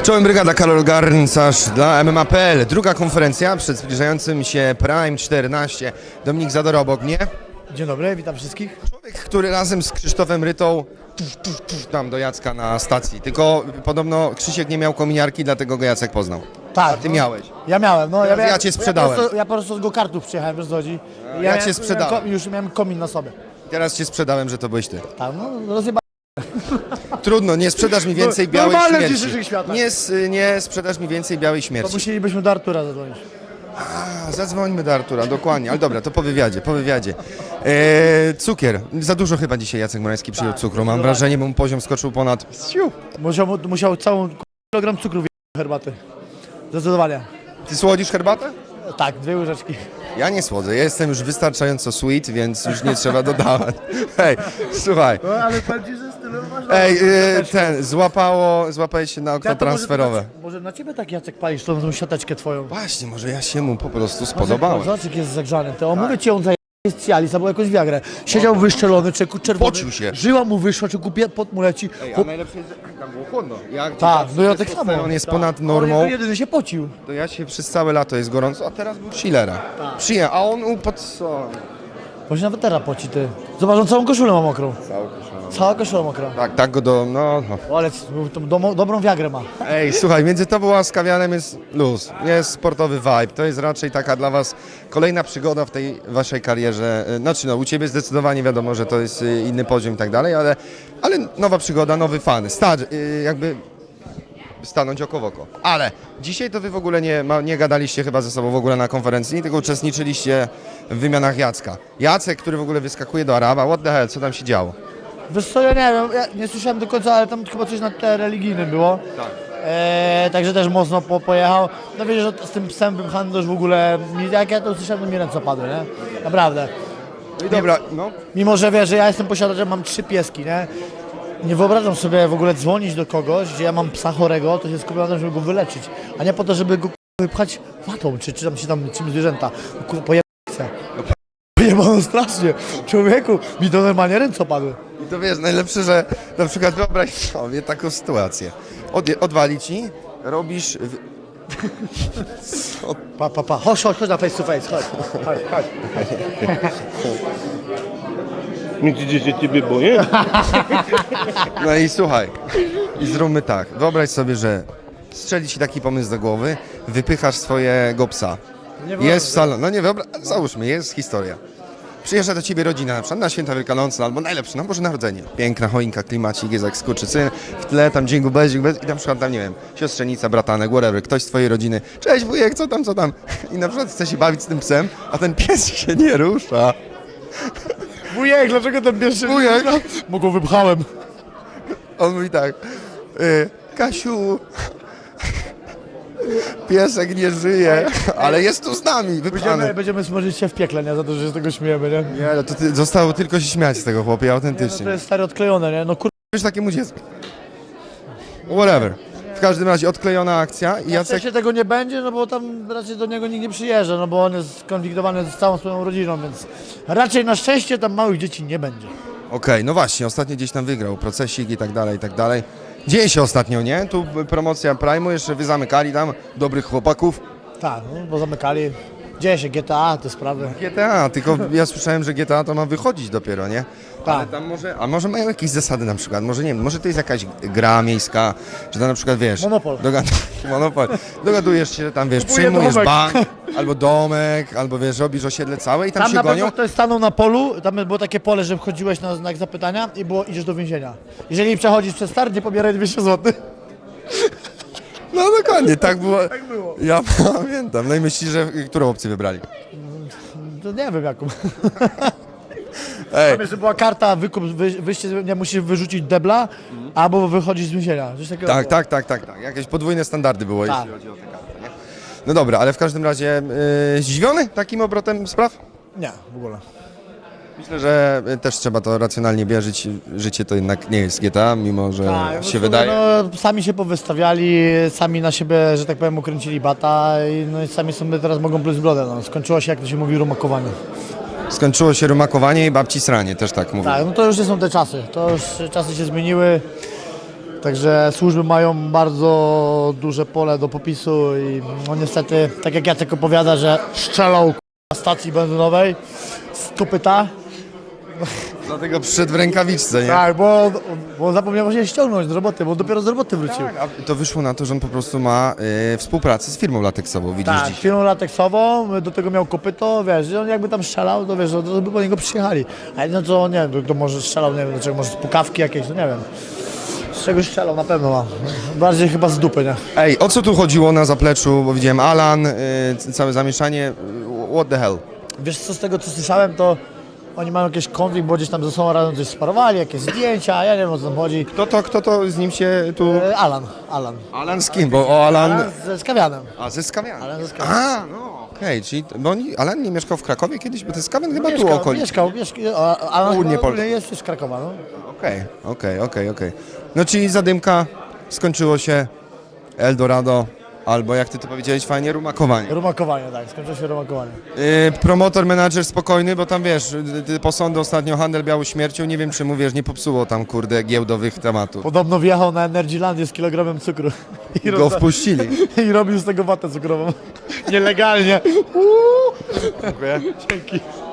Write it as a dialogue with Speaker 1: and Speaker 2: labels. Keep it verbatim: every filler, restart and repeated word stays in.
Speaker 1: Czołem brygada, Karol Garncarz dla M M A kropka P L. Druga konferencja przed zbliżającym się Prime czternaście. Dominik Zadora obok mnie.
Speaker 2: Dzień dobry, witam wszystkich.
Speaker 1: Człowiek, który razem z Krzysztofem Rytą tuf, tuf, tuf, tam do Jacka na stacji. Tylko podobno Krzysiek nie miał kominiarki, dlatego go Jacek poznał.
Speaker 2: Tak.
Speaker 1: A ty miałeś.
Speaker 2: Ja miałem, no.
Speaker 1: Teraz
Speaker 2: ja,
Speaker 1: ja cię sprzedałem.
Speaker 2: Ja po prostu, ja po prostu z go-kartów przyjechałem, wiesz co chodzi.
Speaker 1: ja
Speaker 2: miałem-
Speaker 1: cię sprzedałem.
Speaker 2: Miałem, ko- już miałem komin na sobie.
Speaker 1: Teraz cię sprzedałem, że to byłeś ty.
Speaker 2: Tak, no rozjeba...
Speaker 1: Trudno, nie sprzedasz mi więcej
Speaker 2: No,
Speaker 1: białej
Speaker 2: normalne w
Speaker 1: śmierci.
Speaker 2: dzisiejszych światach.
Speaker 1: Nie, s- nie sprzedasz mi więcej białej
Speaker 2: To
Speaker 1: śmierci.
Speaker 2: musielibyśmy do Artura zadzwonić.
Speaker 1: A, zadzwońmy do Artura, dokładnie. Ale dobra, to po wywiadzie, po wywiadzie. E, cukier. Za dużo chyba dzisiaj Jacek Morański przyjął
Speaker 2: Tak,
Speaker 1: cukru. Mam wrażenie, bo mu poziom skoczył ponad... Siu.
Speaker 2: Musiał, musiał całą kilogram cukru wjechać herbaty. Zdecydowanie.
Speaker 1: Ty słodzisz herbatę?
Speaker 2: Tak, dwie łyżeczki.
Speaker 1: Ja nie słodzę, ja jestem już wystarczająco sweet, więc już nie trzeba dodawać. Hej, słuchaj.
Speaker 2: No ale powiem ci, że stylu masz...
Speaker 1: Ej, e, ten, złapało, złapałeś się na okno transferowe.
Speaker 2: Może, może na ciebie tak Jacek palisz tą, tą siateczkę twoją.
Speaker 1: Właśnie, może ja się mu po prostu spodobałem.
Speaker 2: Zobacz, jak jest zagrzany. To on mówię ci, on zajebał jest Cialis albo jakąś wiagrę. Siedział wyszczelony, czeku czerwony.
Speaker 1: Pocił się.
Speaker 2: Żyła mu wyszła, czeku pot mu leci.
Speaker 1: Ej, a
Speaker 2: Chłop-
Speaker 1: najlepsze jest, że tam było chłodno. Jak
Speaker 2: Tak, no ja tak samo.
Speaker 1: on jest
Speaker 2: Tak.
Speaker 1: ponad
Speaker 2: On
Speaker 1: normą.
Speaker 2: jedyny się pocił.
Speaker 1: To ja się przez całe lato jest gorąco, a teraz był chillera.
Speaker 2: Tak.
Speaker 1: Przyjechał, a on upadł co?
Speaker 2: Właśnie nawet teraz poci ty. Zobacz, on całą koszulę ma mokrą.
Speaker 1: Całą koszulę.
Speaker 2: Cała koszula mokra.
Speaker 1: Tak, tak go do... no... no.
Speaker 2: O, ale tą domo, dobrą wiagrę ma.
Speaker 1: Ej, słuchaj, między tobą a Skawianem jest luz, jest sportowy vibe. To jest raczej taka dla was kolejna przygoda w tej waszej karierze. Znaczy no, u ciebie zdecydowanie wiadomo, że to jest y, inny poziom i tak dalej, ale, ale nowa przygoda, nowy fan. Stać, y, jakby stanąć oko w oko. Ale dzisiaj to wy w ogóle nie, ma, nie gadaliście chyba ze sobą w ogóle na konferencji, tylko uczestniczyliście w wymianach Jacka. Jacek, który w ogóle wyskakuje do Araba, what the hell, co tam się działo?
Speaker 2: Wiesz co, ja nie wiem, ja nie słyszałem do końca, ale tam chyba coś na tle religijnym było.
Speaker 1: Tak.
Speaker 2: E, także też mocno po, pojechał. No wiesz, że z tym psem wypchanym to już w ogóle, mi- jak ja to usłyszałem, to mi ręce opadły, nie? Naprawdę.
Speaker 1: No i dobra, no.
Speaker 2: Mimo, że wiesz, że ja jestem posiadaczem, mam trzy pieski, nie? Nie wyobrażam sobie w ogóle dzwonić do kogoś, gdzie ja mam psa chorego, to się skupiam na tym, żeby go wyleczyć, a nie po to, żeby go k***a, wypchać watą, czy, czy tam się tam czym zwierzęta. Kurwa, pojebano chcę. Pojebano strasznie. Człowieku, mi to normalnie ręce opadły.
Speaker 1: I to wiesz, najlepsze, że na przykład wyobraź sobie taką sytuację. Od, odwali ci, robisz... W... Co?
Speaker 2: Pa, pa, pa. Chodź, chodź, chodź na face to face, chodź. Chodź, chodź.
Speaker 3: Myślicie, że ciebie boję?
Speaker 1: No i słuchaj, i zróbmy tak. Wyobraź sobie, że strzeli ci taki pomysł do głowy, wypychasz swojego psa. Jest w salonie, no nie wyobraź, załóżmy, jest historia. Przyjeżdża do ciebie rodzina, na przykład na święta wielkanocne, albo najlepsze, na Boże Narodzenie. Piękna choinka, klimacik, jest jak skurczysyn, w tle tam dzień gubezik, i na przykład tam, nie wiem, siostrzenica, bratanek, whatever, ktoś z twojej rodziny. Cześć wujek, co tam, co tam? I na przykład chce się bawić z tym psem, a ten pies się nie rusza.
Speaker 2: Wujek, dlaczego ten pierwszy...
Speaker 1: Wujek.
Speaker 2: Bo go wypchałem.
Speaker 1: On mówi tak, y, Kasiu, piesek nie żyje, ale jest tu z nami,
Speaker 2: Będziemy,
Speaker 1: wypchany.
Speaker 2: będziemy smażyć się w piekle, nie? Za to, że się z tego śmiejemy, nie?
Speaker 1: Nie, no to ty, zostało tylko się śmiać z tego chłopie,
Speaker 2: No
Speaker 1: autentycznie.
Speaker 2: to jest stary odklejone, nie? No kur...
Speaker 1: Wiesz takiemu dziecku. Whatever. W każdym razie odklejona akcja i
Speaker 2: Na
Speaker 1: Jacek...
Speaker 2: szczęście tego nie będzie, no bo tam raczej do niego nikt nie przyjeżdża, no bo on jest skonfliktowany z całą swoją rodziną, więc raczej na szczęście tam małych dzieci nie będzie.
Speaker 1: Okej, no właśnie, ostatnio gdzieś tam wygrał, procesik i tak dalej, i tak dalej. Dzieje się ostatnio, nie? Tu promocja Prime'u, jeszcze wy zamykali tam dobrych chłopaków.
Speaker 2: Tak, no, bo zamykali. Dzieje się G T A, te sprawy.
Speaker 1: G T A, tylko ja słyszałem, że G T A to ma wychodzić dopiero, nie?
Speaker 2: Tak.
Speaker 1: Ale tam może, a może mają jakieś zasady na przykład, może nie wiem, może to jest jakaś gra miejska, że tam na przykład wiesz...
Speaker 2: Monopol.
Speaker 1: Dogad... Monopol. Dogadujesz się, tam wiesz,
Speaker 2: Kupuję
Speaker 1: przyjmujesz
Speaker 2: domek.
Speaker 1: bank, albo domek, albo wiesz, robisz osiedle całe i tam,
Speaker 2: Tam
Speaker 1: się
Speaker 2: na
Speaker 1: gonią.
Speaker 2: pewno ktoś stanął na polu, tam było takie pole, że wchodziłeś na znak zapytania i było idziesz do więzienia. Jeżeli przechodzisz przez start, nie pobieraj dwieście złotych.
Speaker 1: No dokładnie, tak było. Tak było. Ja pamiętam. No i myślisz, że którą opcję wybrali?
Speaker 2: To nie wiem jaką.
Speaker 1: Ej,
Speaker 2: Tam jeszcze była karta, wykup, wy, wyjście, nie musisz wyrzucić debla, albo wychodzić z więzienia. Coś takiego
Speaker 1: tak,
Speaker 2: było.
Speaker 1: tak, tak, tak, tak. Jakieś podwójne standardy było,
Speaker 2: Tak.
Speaker 1: jeśli chodzi o te karty, nie? No dobra, ale w każdym razie yy, zdziwiony takim obrotem spraw?
Speaker 2: Nie, w ogóle.
Speaker 1: Myślę, że y, też trzeba to racjonalnie bierzyć. Życie to jednak nie jest G T A, mimo że
Speaker 2: Tak,
Speaker 1: się
Speaker 2: no,
Speaker 1: wydaje.
Speaker 2: No, sami się powystawiali, sami na siebie, że tak powiem, ukręcili bata i, no, i sami sobie teraz mogą pluć brodę. No. Skończyło się, jak to się mówi, rumakowanie.
Speaker 1: Skończyło się rumakowanie i babci sranie, też tak mówię.
Speaker 2: Tak, no to już nie są te czasy. To już czasy się zmieniły. Także służby mają bardzo duże pole do popisu i no niestety, tak jak Jacek opowiada, że strzelał na stacji benzynowej z kopyta.
Speaker 1: Dlatego przyszedł w rękawiczce, nie?
Speaker 2: Tak, bo, on- bo on zapomniał właśnie ściągnąć z roboty, bo on dopiero z roboty wrócił.
Speaker 1: Tak, a to wyszło na to, że on po prostu ma y, współpracę z firmą lateksową, widzisz
Speaker 2: Tak,
Speaker 1: dziś.
Speaker 2: firmą lateksową, do tego miał kopyto, wiesz, że on jakby tam strzelał, to wiesz, to by po niego przyjechali. A jedno co, nie wiem, to, to może strzelał, nie wiem, do czego, może z pukawki jakieś, no nie wiem. Z czegoś strzelał na pewno ma. Bardziej chyba z dupy, nie?
Speaker 1: Ej, o co tu chodziło na zapleczu, bo widziałem Alan, y, całe zamieszanie, y, what the hell?
Speaker 2: Wiesz co, z tego co słyszałem, to oni mają jakiś konflikt, bo gdzieś tam ze sobą razem coś sparowali, jakieś zdjęcia, ja nie wiem o co tam chodzi.
Speaker 1: Kto to, kto to z nim się tu...
Speaker 2: E, Alan, Alan.
Speaker 1: Alan z kim? Bo o Alan...
Speaker 2: Alan ze Skawianem.
Speaker 1: A, ze Skawian.
Speaker 2: Alan ze Skawian.
Speaker 1: A, no okej, czyli... Bo oni, Alan nie mieszkał w Krakowie kiedyś, bo ten Skawian chyba tu
Speaker 2: Mieszkał,
Speaker 1: okolic.
Speaker 2: mieszkał, mieszkał, a- Alan
Speaker 1: Południe
Speaker 2: chyba
Speaker 1: Polski.
Speaker 2: jest z Krakowa, no.
Speaker 1: Okej, okej, okej, okej. No czyli zadymka, skończyło się Eldorado, albo jak ty to powiedziałeś fajnie, rumakowanie.
Speaker 2: Rumakowanie, tak, skończyło się rumakowanie.
Speaker 1: Yy, promotor, menadżer spokojny, bo tam wiesz, y, ty posądy ostatnio, handel białą śmiercią, nie wiem czy mu wiesz, nie popsuło tam kurde giełdowych tematów.
Speaker 2: Podobno wjechał na Energylandię z kilogramem cukru i,
Speaker 1: Go
Speaker 2: rozda-
Speaker 1: wpuścili.
Speaker 2: i robił z tego watę cukrową. Nielegalnie.
Speaker 1: Dziękuję.
Speaker 2: Dzięki.